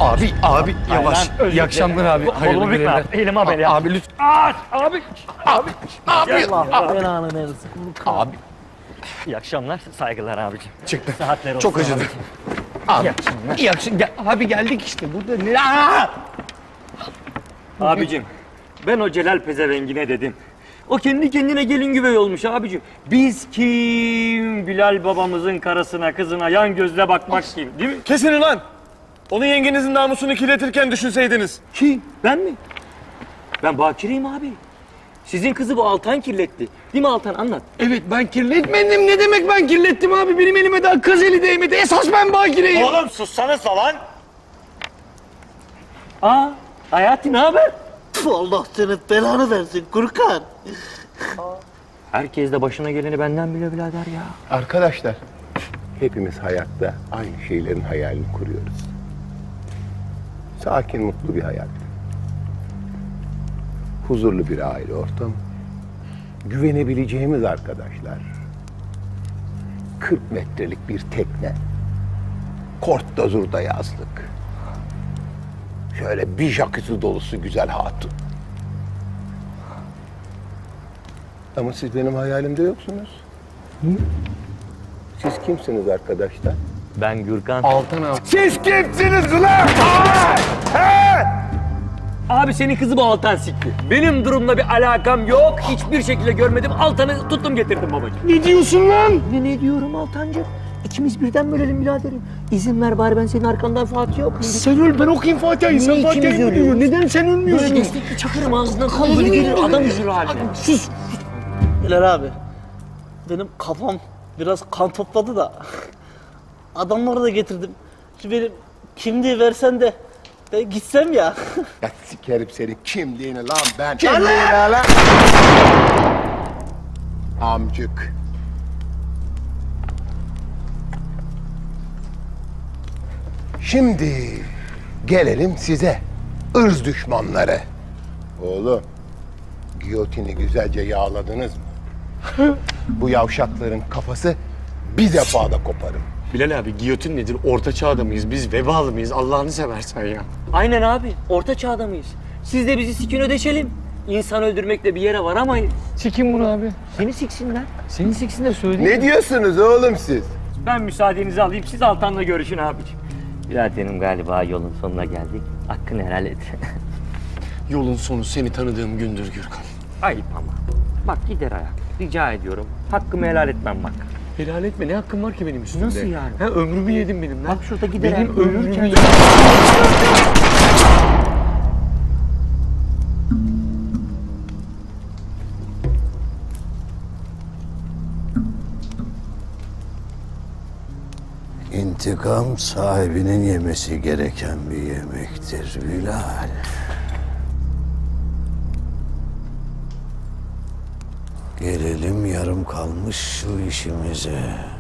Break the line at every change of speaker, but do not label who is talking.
Abi yavaş. İyi akşamlar abi. Hayırlı görevler.
Elim ameliyat.
Abi lütfen.
Abi.
Allah belanı versin.
Abi
İyi akşamlar. Saygılar abicim.
çıktı.
Saatler olsun.
Çok acıdı.
abicim.
Abi
İyi akşamlar.
iyi akşamlar. Abi geldik işte burada.
Abicim ben o Celal pezevengine dedim. O kendi kendine gelin güvey olmuş abicim. Biz kim? Bilal babamızın karısına kızına yan gözle bakmak kim değil mi?
Kesin ulan! Onu yengenizin namusunu kirletirken düşünseydiniz.
Kim? Ben mi? Ben bakireyim abi. Sizin kızı bu Altan kirletti. Değil mi Altan? Anlat.
Evet ben kirletmedim. Ne demek ben kirlettim abi? Benim elime daha kız eli değmedi. Esas ben bakireyim.
Oğlum sussanıza lan!
Aa, Hayati ne haber?
Allah senin belanı versin Gürkan.
Herkes de başına geleni benden bile birader ya.
Arkadaşlar, hepimiz hayatta aynı şeylerin hayalini kuruyoruz. Sakin, mutlu bir hayat. Huzurlu bir aile ortamı. Güvenebileceğimiz arkadaşlar. 40 metrelik bir tekne. Kort dozurda yazlık. Şöyle bir jacuzzi dolusu güzel hatun. Ama siz benim hayalimde yoksunuz. Siz kimsiniz arkadaşlar?
Ben Gürkan.
Altan abi.
Siz kimsiniz ulan?
Abi senin kızı bu Altan sikti. Benim durumla bir alakam yok. Hiçbir şekilde görmedim. Altan'ı tuttum getirdim babacığım.
Ne diyorsun lan?
Ne diyorum Altancığım? İkimiz birden bölelim biraderim. İzin ver bari ben senin arkandan Fatih'e okuyayım.
Sen öl ben okuyayım Fatiha'yı. Sen
Niye
Fatiha'yı
ikimiz
mı diyor?
ölüyoruz?
Neden sen ölmüyorsun?
Böyle destekli çakırım ağzından kan böyle gelir adam üzülür haline.
Sus.
Bilal abi, benim kafam biraz kan topladı da adamları da getirdim. Şu benim kimliği versen de ben gitsem ya.
Ya sikerim senin kimliğini lan ben. Kimliğini lan. Amcık. Şimdi gelelim size. Irz düşmanları. Oğlum, giyotini güzelce yağladınız mı? Bu yavşakların kafası bir defada koparım.
Bilal abi giyotin nedir? Orta çağda mıyız? Biz vebalı mıyız? Allah'ını seversen ya.
Aynen abi. Orta çağda mıyız? Siz de bizi sikin ödeşelim. İnsan öldürmekle bir yere varamayız.
Sikin bunu abi.
Seni siksinler.
Seni siksin de söyle.
Ne diyorsunuz oğlum siz?
Ben müsaadenizi alayım. Siz Altan'la görüşün abiciğim. Biraderim galiba yolun sonuna geldik. Hakkını helal et.
Yolun sonu seni tanıdığım gündür Gürkan.
Ayıp ama. Bak gider ayak. Rica ediyorum. Hakkımı helal etmem bak.
Helal etme. Ne hakkım var ki benim üstümde?
Nasıl yani?
Ha ömrümü yedin benim lan.
Bak şurada gider
Benim
ayak
ömrümü
ölürken...
yedin.
İntikam sahibinin yemesi gereken bir yemektir Bilal. Gelelim yarım kalmış şu işimize.